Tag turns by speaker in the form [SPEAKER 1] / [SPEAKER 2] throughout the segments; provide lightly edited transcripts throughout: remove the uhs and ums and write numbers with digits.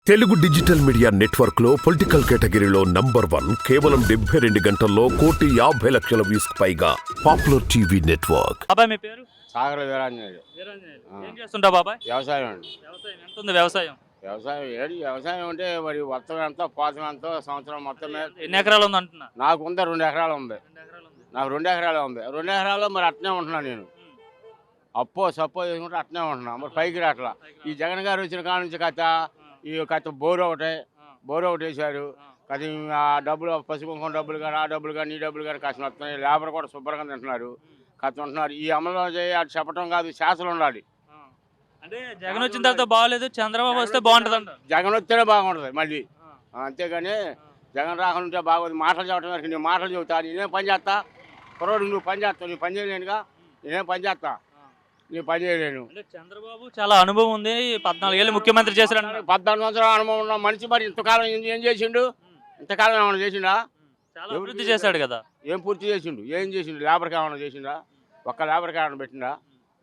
[SPEAKER 1] Telugu digital media network లో political కేటగిరీలో number 1 కేవలం 72 గంటల్లో 1,50,00,000 వ్యూస్ పైగా పాపులర్ టీవీ నెట్వర్క్.
[SPEAKER 2] బాబాయ్ మీ పేరు?
[SPEAKER 3] సాగర వీరాంజనేయుడు.
[SPEAKER 2] ఏం చేస్తుంటావు బాబాయ్?
[SPEAKER 3] వ్యవసాయం అండి.
[SPEAKER 2] వ్యవసాయం ఎంత ఉంది వ్యవసాయం?
[SPEAKER 3] వ్యవసాయం అంటే మరి వర్తం ఎంత పోతం ఎంతో సంవత్సరం మొత్తం మీద
[SPEAKER 2] ఎన్ని ఎకరాలు ఉంది అంటున్నా?
[SPEAKER 3] నాకు ఉంది 2 ఎకరాలు ఉంది.
[SPEAKER 2] 2 ఎకరాలు ఉంది.
[SPEAKER 3] నాకు 2 ఎకరాలు ఉంది. 2 ఎకరాల్లో మరి అట్నే ఉంటున్నాను నేను. అప్పో సప్పో చేసుకుంటే అట్నే ఉంటున్నా. మరి పైకి రాట్లా. ఈ జగన్ గారు వచ్చిన కాడ నుంచి కథ బోరు ఒకటి వేశారు. కథ ఆ డబ్బులు పసుపు కుంకుమ డబ్బులు కానీ ఆ డబ్బులు కానీ ఈ డబ్బులు కానీ కష్టం వస్తున్నాయి. లేబర్ కూడా శుభ్రంగా తింటున్నారు. కథ ఉంటున్నారు. ఈ అమలు అటు చెప్పడం కాదు, శాసనం ఉండాలి.
[SPEAKER 2] అంటే జగన్ వచ్చిన తర్వాత బాగాలేదు, చంద్రబాబు వస్తే బాగుంటుంది అంట.
[SPEAKER 3] జగన్ వస్తేనే బాగుంటుంది మళ్ళీ. అంతేగాని జగన్ రాకుండా బాగోదు. మాటలు చెప్పడం వరకు నేను మాటలు చెబుతా, నేనేం పని చేస్తా. కుర్రోడు నువ్వు పని చేస్తావు, నీ పని చేయలేనుగా. నేనేం పని చేస్తా, నీ పని చేయలేను.
[SPEAKER 2] అంటే చంద్రబాబు చాలా అనుభవం ఉంది, 14 ఏళ్ళు ముఖ్యమంత్రి చేశారు.
[SPEAKER 3] 14 సంవత్సరాల అనుభవం ఉన్న మనిషి మరి ఇంతకాలం ఏం చేసిండు? ఇంతకాలం ఏమైనా చేసిండా?
[SPEAKER 2] చాలా అభివృద్ధి చేశాడు కదా.
[SPEAKER 3] ఏం పూర్తి చేసిండు? ఏం చేసిండు? లేబర్కి ఏమైనా చేసిండా? ఒక్క లేబర్కి ఏమైనా పెట్టిండా?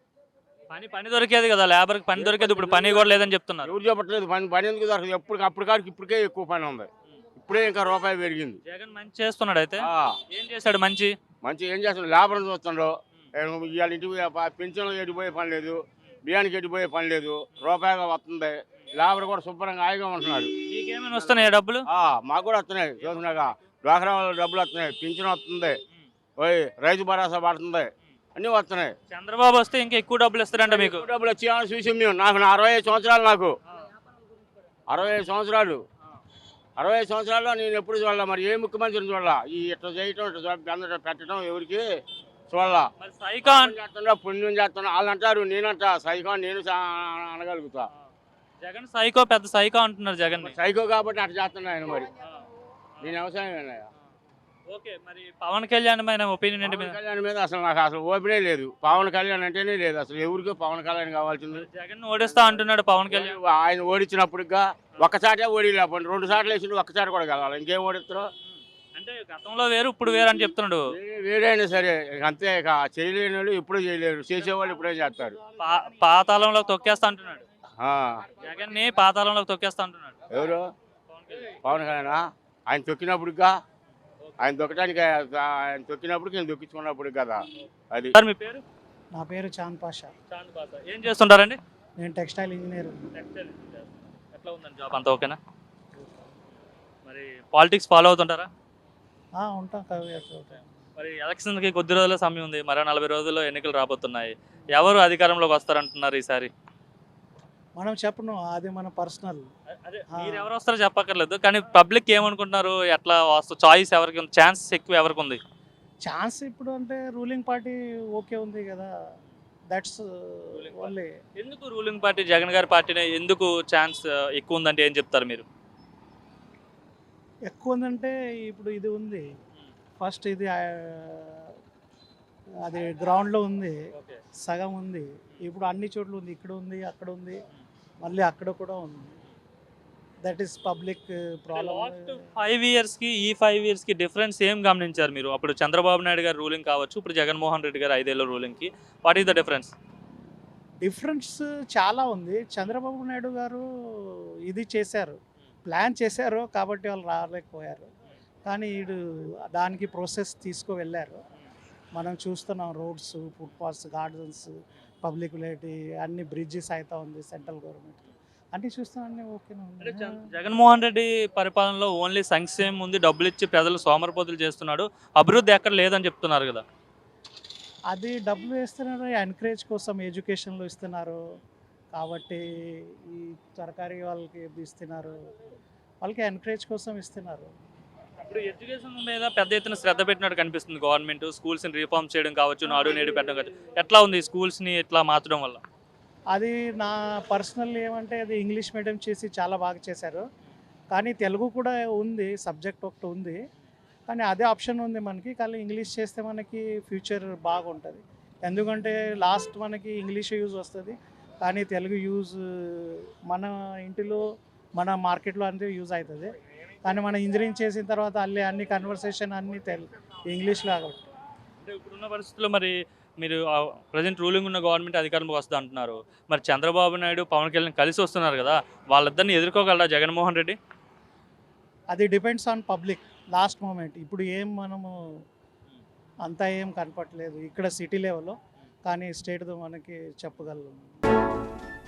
[SPEAKER 2] పని దొరికేది కదా, లేబర్కి పని దొరికేది. ఇప్పుడు పని కూడా లేదని చెప్తున్నారు.
[SPEAKER 3] ఎవరు చెప్పట్లేదు. పని ఎందుకు దొరకదు? అప్పటికాడికి ఇప్పటికే ఎక్కువ పని ఉంది. ఇప్పుడే ఇంకా రూపాయి పెరిగింది.
[SPEAKER 2] జగన్ మంచి చేస్తున్నాడు. అయితే ఏం చేశాడు మంచి?
[SPEAKER 3] ఏం చేస్తున్నాడు? లేబర్ని చూస్తుండో. ఇవాళ ఇంటికి పెన్షన్లు ఎడిపోయే పని లేదు, బియ్యానికి ఎడిపోయే పని లేదు, రూపాయిగా వస్తుంది. లేబర్ కూడా శుభ్రంగా హాయిగా ఉంటున్నాడు.
[SPEAKER 2] మీకేమైనా వస్తున్నాయి డబ్బులు?
[SPEAKER 3] మాకు కూడా వస్తున్నాయి. చూసినాక డ్వాక్రా డబ్బులు వస్తున్నాయి, పింఛన్ వస్తుంది, రైతు భరోసా పడుతుంది, అన్నీ వస్తున్నాయి.
[SPEAKER 2] చంద్రబాబు వస్తే ఇంకా ఎక్కువ డబ్బులు ఇస్తారంట మీకు?
[SPEAKER 3] డబ్బులు వచ్చి చూసి మేము నాకు 65 సంవత్సరాలు. నాకు 65 సంవత్సరాలు. 65 సంవత్సరాల్లో నేను ఎప్పుడు చూడాల. మరి ఏ ముఖ్యమంత్రిని చూడాల? ఈ ఇట్లా చేయటం, ఇట్లా పెట్టడం ఎవరికి చూడాలా? చేస్తున్నా, పుణ్యం చేస్తున్నా వాళ్ళు అంటారు. నేనంటా సైకో, నేను అనగలుగుతా.
[SPEAKER 2] జగన్ సైకో, పెద్ద సైకో అంటున్నారు జగన్.
[SPEAKER 3] సైకో కాబట్టి అట్లా చేస్తున్నా ఆయన. మరి నేను వ్యవసాయం.
[SPEAKER 2] ఓకే, మరి పవన్ కళ్యాణ్ ఒపీనియన్ ఏంటి?
[SPEAKER 3] పవన్ కళ్యాణ్ మీద నాకు ఓపెనే లేదు. పవన్ కళ్యాణ్ అంటేనే లేదు అసలు. ఎవరికి పవన్ కళ్యాణ్ కావాల్సింది?
[SPEAKER 2] జగన్ ఓడిస్తా అంటున్నాడు పవన్ కళ్యాణ్.
[SPEAKER 3] ఆయన ఓడించినప్పుడుగా ఒక్కసాటే ఓడిలేకపోండి, 2 సార్లు వేసిండు, ఒక్కసారి కూడా కలవాలి. ఇంకేం ఓడిస్తారు?
[SPEAKER 2] అంటే గతంలో వేరు ఇప్పుడు వేరు అని చెప్తున్నాడు.
[SPEAKER 3] వేరైనా సరే అంతే. చేయలేని వాళ్ళు ఇప్పుడు చేయలేరు, చేసేవాళ్ళు ఇప్పుడే చేస్తారు.
[SPEAKER 2] పాతాళంలో తొక్కేస్తా అంటున్నాడు జగన్ ని. పాతాళంలో తొక్కేస్తా అంటున్నాడు.
[SPEAKER 3] ఎవరు? పవన్ కళ్యాణ్. ఆయన తొక్కినప్పుడుగా, ఆయన తొక్కినప్పుడు నేను దొక్కించుకున్నప్పుడు కదా అది.
[SPEAKER 2] మీ పేరు?
[SPEAKER 4] నా పేరు చాంద్ పాషా.
[SPEAKER 2] ఏం చేస్తుంటారండి?
[SPEAKER 4] నేను టెక్స్టైల్ ఇంజనీర్.
[SPEAKER 2] ఎట్లా ఉందండి జాబ్? అంతా ఓకేనా? మరి పాలిటిక్స్ ఫాలో అవుతుంటారా?
[SPEAKER 4] ఉంటాం.
[SPEAKER 2] మరి ఎలక్షన్కి కొద్ది రోజుల సమయం ఉంది, మరో 40 రోజుల్లో ఎన్నికలు రాబోతున్నాయి. ఎవరు అధికారంలోకి వస్తారంటున్నారు ఈసారి?
[SPEAKER 4] మనం చెప్పను, అది మన పర్సనల్.
[SPEAKER 2] అదే మీరు ఎవరు వస్తారో చెప్పక్కర్లేదు, కానీ పబ్లిక్ ఏమనుకుంటున్నారు? ఎట్లా వస్తారు? చాయిస్ ఎవరికి ఉంది? ఛాన్స్ ఎక్కువ ఎవరికి ఉంది?
[SPEAKER 4] ఛాన్స్ ఇప్పుడు అంటే రూలింగ్ పార్టీ ఓకే ఉంది కదా. That's only.
[SPEAKER 2] ఎందుకు రూలింగ్ పార్టీ జగన్ గారి పార్టీనే ఎందుకు ఛాన్స్ ఎక్కువ ఉందంటే ఏం చెప్తారు మీరు?
[SPEAKER 4] ఎక్కువ ఉందంటే ఇప్పుడు ఇది ఉంది. ఫస్ట్ ఇది అది గ్రౌండ్లో ఉంది, సగం ఉంది. ఇప్పుడు అన్ని చోట్ల ఉంది. ఇక్కడ ఉంది, అక్కడ ఉంది, మళ్ళీ అక్కడ కూడా ఉంది. That is public problem.
[SPEAKER 2] 5 ఇయర్స్కి ఈ 5 ఇయర్స్కి డిఫరెన్స్ ఏం గమనించారు మీరు? అప్పుడు చంద్రబాబు నాయుడు గారు రూలింగ్ కావచ్చు, ఇప్పుడు జగన్మోహన్ రెడ్డి గారు 5 ఏళ్ళ రూలింగ్కి. What is the difference?
[SPEAKER 4] Difference చాలా ఉంది. చంద్రబాబు నాయుడు గారు ఇది చేశారు, ప్లాన్ చేశారు కాబట్టి వాళ్ళు రాలేకపోయారు. కానీ వీడు దానికి ప్రాసెస్ తీసుకువెళ్ళారు. మనం చూస్తున్నాం, రోడ్స్, ఫుట్పాత్స్, గార్డెన్స్, పబ్లిక్ లైటీ, అన్ని బ్రిడ్జెస్ అవుతా ఉంది సెంట్రల్ గవర్నమెంట్. అన్నీ చూస్తున్నాం, అన్నీ ఓకేనా ఉంది.
[SPEAKER 2] జగన్మోహన్ రెడ్డి పరిపాలనలో ఓన్లీ సంక్షేమం ఉంది, డబ్బులు ఇచ్చి ప్రజలు సోమరపోతులు చేస్తున్నాడు, అభివృద్ధి ఎక్కడ లేదని చెప్తున్నారు కదా.
[SPEAKER 4] అది డబ్బులు వేస్తున్నారు, ఎంకరేజ్ కోసం ఎడ్యుకేషన్లో ఇస్తున్నారు కాబట్టి, ఈ సర్కారీ వాళ్ళకి ఇస్తున్నారు, వాళ్ళకి ఎంకరేజ్ కోసం ఇస్తున్నారు.
[SPEAKER 2] ఇప్పుడు ఎడ్యుకేషన్ మీద పెద్ద ఎత్తున శ్రద్ధ పెట్టినట్టు కనిపిస్తుంది గవర్నమెంట్. స్కూల్స్ని రీఫార్మ్ చేయడం కావచ్చు, నాడు నేడు పెట్టడం కావచ్చు. ఎట్లా ఉంది స్కూల్స్ని ఇట్లా మార్చడం వల్ల?
[SPEAKER 4] అది నా పర్సనల్ ఏమంటే, అది ఇంగ్లీష్ మీడియం చేసి చాలా బాగా చేశారు. కానీ తెలుగు కూడా ఉంది, సబ్జెక్ట్ ఒకటి ఉంది, కానీ అదే ఆప్షన్ ఉంది మనకి. కానీ ఇంగ్లీష్ చేస్తే మనకి ఫ్యూచర్ బాగుంటుంది. ఎందుకంటే లాస్ట్ మనకి ఇంగ్లీష్ యూజ్ వస్తుంది, కానీ తెలుగు యూజ్ మన ఇంటిలో, మన మార్కెట్లో అంతే యూజ్ అవుతుంది. కానీ మనం ఇంజనీరింగ్ చేసిన తర్వాత అన్ని కన్వర్సేషన్ అన్నీ ఇంగ్లీష్లో. కాబట్టి
[SPEAKER 2] అంటే ఇప్పుడున్న పరిస్థితుల్లో మరి మీరు ప్రజెంట్ రూలింగ్ ఉన్న గవర్నమెంట్ అధికారంలోకి వస్తుంది అంటున్నారు. మరి చంద్రబాబు నాయుడు, పవన్ కళ్యాణ్ కలిసి వస్తున్నారు కదా! వాళ్ళిద్దరిని ఎదుర్కోగలరా జగన్మోహన్ రెడ్డి?
[SPEAKER 4] అది depends on public last moment. ఇప్పుడు ఏం మనము అంతా ఏం కనపట్లేదు ఇక్కడ సిటీ లెవెల్లో, కానీ స్టేట్‌ది మనకి చెప్పగలం.